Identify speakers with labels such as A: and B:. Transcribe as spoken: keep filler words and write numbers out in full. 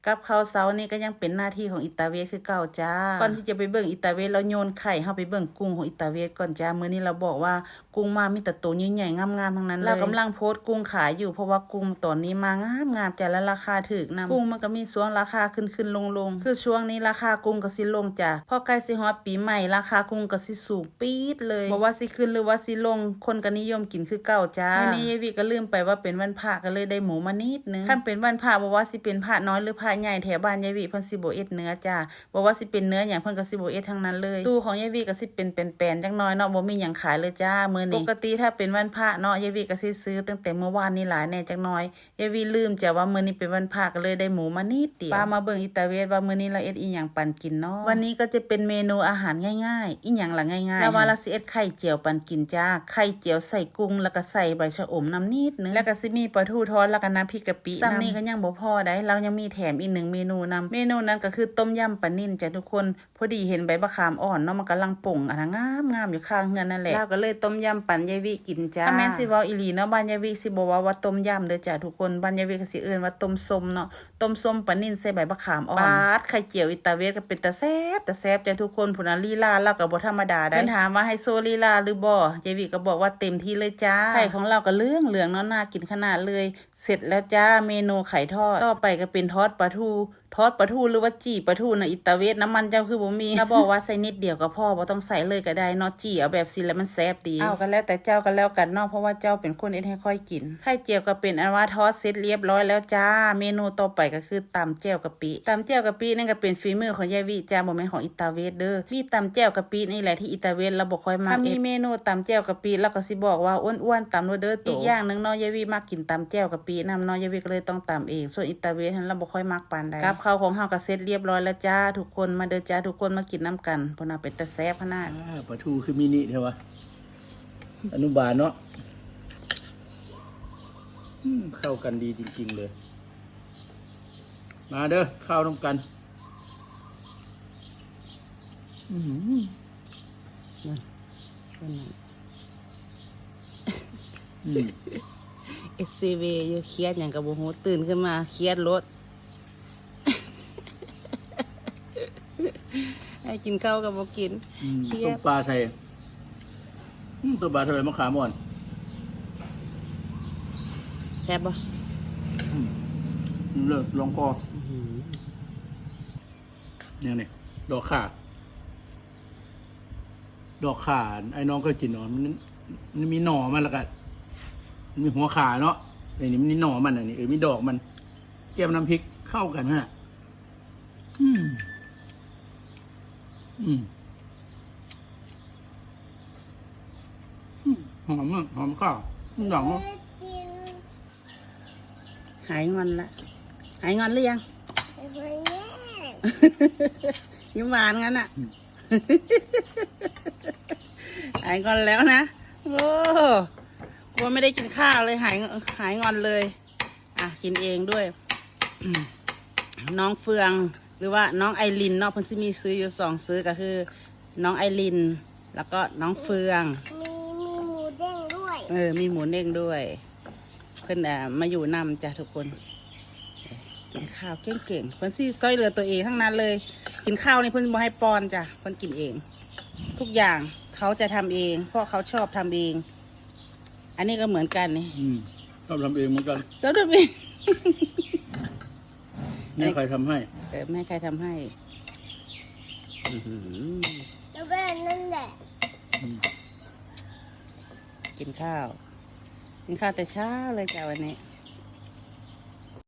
A: กับข้าวเช้านี่ก็ยังเป็นหน้าที่ของอิตาเวสคือเก่าจ้าก่อนที่จะไปเบิ่งอิตาเวสเราโยนไข่เฮาไปเบิ่งกุ้งของอิตาเวสก่อนจ้ามื้อนี้เราบอกว่ากุ้งมามีแต่ตัวใหญ่ๆงามๆทั้งนั้นเลยเรากำลังโพสต์กุ้งขายอยู่เพราะว่ากุ้งตอนนี้มางามๆจ้าและราคาถูกนำกุ้งมันก็มีช่วงราคาขึ้นๆลงๆคือช่วงนี้ราคากุ้งก็สิลงจ้าพอใกล้สิฮอดปีใหม่ราคากุ้งก็สิสูงปี๊ดเลยบ่ว่าสิขึ้นหรือว่าสิลงคนก็นิยมกินคือเก่าจ้ามื้อนี้ยายวิก็ลืมไปว่าเป็นวันพระก็เลยได้หมูมานิดนึงคันเป็นวันพระบ่ว่าสิเป็นพระน้อยหรือพระใหญ่แถวบ้านยายวิเพิ่นสิบ่เอ็ดเนื้อจ้าบ่ว่าสิเป็นเนื้อหยังเพิ่นก็สิบ่เอ็ดทั้งนั้นเลยตู้ของยายวิก็สิเป็นแป้นๆจักหน่อยเนาะบ่มีหยังขายเลยจ้ามื้อนี้ปกติถ้าเป็นวันพระเนาะยายวิก็สิซื้อตั้งแต่เมื่อวานนี้หลายแน่จักหน่อยยายวิลืมจ้าว่ามื้อนี้เป็นวันพระก็เลยได้หมูมานิดเดียวป้ามาเบิ่งอิตาเวสว่ามื้อนี้เราเอ็ดอีหยังปันกินเนาะวันนี้ก็จะเป็นเมนูอาหารง่ายๆอีหยังล่ะง่ายๆแล้วว่าเราสิเอ็ดไข่เจียวปันกินจ้าไข่เจียวใส่กุ้งแล้วก็ใส่ใบชะอมน้ำนิดนึงแล้วก็สิมีปลาทูทอดแล้วก็น้ำพริกกะปิซ้ำนี้ก็ยังบ่พอได้เรายังมีแถมอีกหนึ่งเมนูนำเมนูนั้นก็คือต้มยำปลานิ่นจ้ะทุกคนพอดีเห็นใบมะขามอ่อนเนาะมันกำลังป่งอันงามงามอยู่ข้างเฮือนนั่นแหละเราก็เลยต้มยำปันยายวิกินจ้าแม่นสิเว้าอีหลีเนาะบ้านยายวิสิบ่ว่าว่าต้มยำเด้อจ้ะทุกคนบ้านยายวิก็สิเอิ้นว่าต้มส้มเนาะต้มส้มปลานิ่นใส่ใบมะขามอ่อนปาดไข่เจียวอิตาเวสก็เป็นตาแซ่บตาแซ่บจ้ะทุกคนพุ่นน่ะลีลาเราก็บ่ธรรมดาได้เพิ่นถามว่าให้โซลีลาหรือบ่ยายวิก็บอกว่าเต็มที่เลยจ้าไข่ของเราก็เหลืองเหลืองเนาะน่ากินขนาดเลยเสร็จแล้วจ้าเมนูไข่ทอดต่อไปก็เป็นทอดปลาทูทอดปลาทูหรือว่าจี่ปลาทูนะอิตาเวสน้ำมันเจ้าคือบ่มีถ้าบอกว่าใส่นิดเดียวก็พอบ่ต้องใส่เลยก็ได้เนาะจี่เอาแบบสิแล้วมันแซ่บดีเอากันแล้วแต่เจ้ากันแล้วกันเนาะเพราะว่าเจ้าเป็นคนเอ็ดให้ค่อยกินไข่เจียวก็เป็นอันว่าทอดเสร็จเรียบร้อยแล้วจ้าเมนูต่อไปก็คือตำแจ่วกะปิตำแจ่วกะปินั่นก็เป็นฝีมือของยายวิจ้าบ่แม่นของอิตาเวสเด้อมีตำแจ่วกะปินี่แหละที่อิตาเวสเราบ่ค่อยมักถ้ามีเมนูตำแจ่วกะปิแล้วก็สิบอกว่าอ้วนๆตำโลดเด้ออีกอย่างนึงเนาะยายวิมักกินตำแจ่วกะปินำเนาะยายวิก็เลยต้องตำเองส่วนอิตาเวสนั้นเราบ่ค่อยมักปานใดกับข้าวของเฮาก็เสร็จเรียบร้อยแล้วจ้าทุกคนมาเด้อจ้าทุกคนมากินน้ำกันเพราะน่าเป็นตะแซ่บขนาด
B: ปลาทูคือมินิใช่ปะอนุบาลเนาะเข้ากันดีจริงๆเลยมาเด้อข้าวน้ำกัน
A: อืมนั่นก็นั่นเอสซีวีอยู่เครียดอย่างกับโมโหตื่นขึ้นมาเครียดรถให้กินข้าวกับโมกินเครีย
B: ต้
A: ด
B: มปลาใส่ต้มปลาใส่มะขามอ่อน
A: แซ่บปะ
B: เลิกลองคอเนี่ยนี่ดอกข่าดอกข่าไอ้น้องเคยกินเนาะมันมันมีหน่อมันละกันมีหัวขาเนาะไอ้นี่มันมีหน่อมันอันนี้เออมีดอกมันแก้มน้ำพริกเข้ากันฮะอืมอืมหอมมากหอมข้าวหอม
A: หายงอนละหายงอนหรือยังยิ้มหวานงั้นอ่ะหายงอนแล้วนะโอ้กลัวไม่ได้กินข้าวเลยหายหายงอนเลยอ่ะกินเองด้วยน้องเฟืองหรือว่าน้องไอรินเนาะเพิ่นสิมีซื้ออยู่สองซื้อก็คือน้องไอรินแล้วก็น้องเฟือง
C: มีมีหมูเด้งด้วย
A: เออมีหมูเด้งด้วยเพิ่นอ่ะมาอยู่นำจ้ะทุกคนกินข้าวเก่งๆเพิ่นสิซอยเหลือตัวเองทั้งนั้นเลยกินข้าวนี่เพิ่นบ่ให้ป้อนจ้ะเพิ่นกินเองทุกอย่างเขาจะทำเองเพราะเขาชอบทำเองอันนี้ก็เหมือนกันนี่
B: ชอบทำเองเหมือนกัน
A: ชอบทำเอง
B: แม่ใครทำให้
A: เออแม่ใครทำให้
C: แล้วแม่นั่นแหละ
A: กินข้าวกินข้าวแต่เช้าเลยจ้ะวันนี้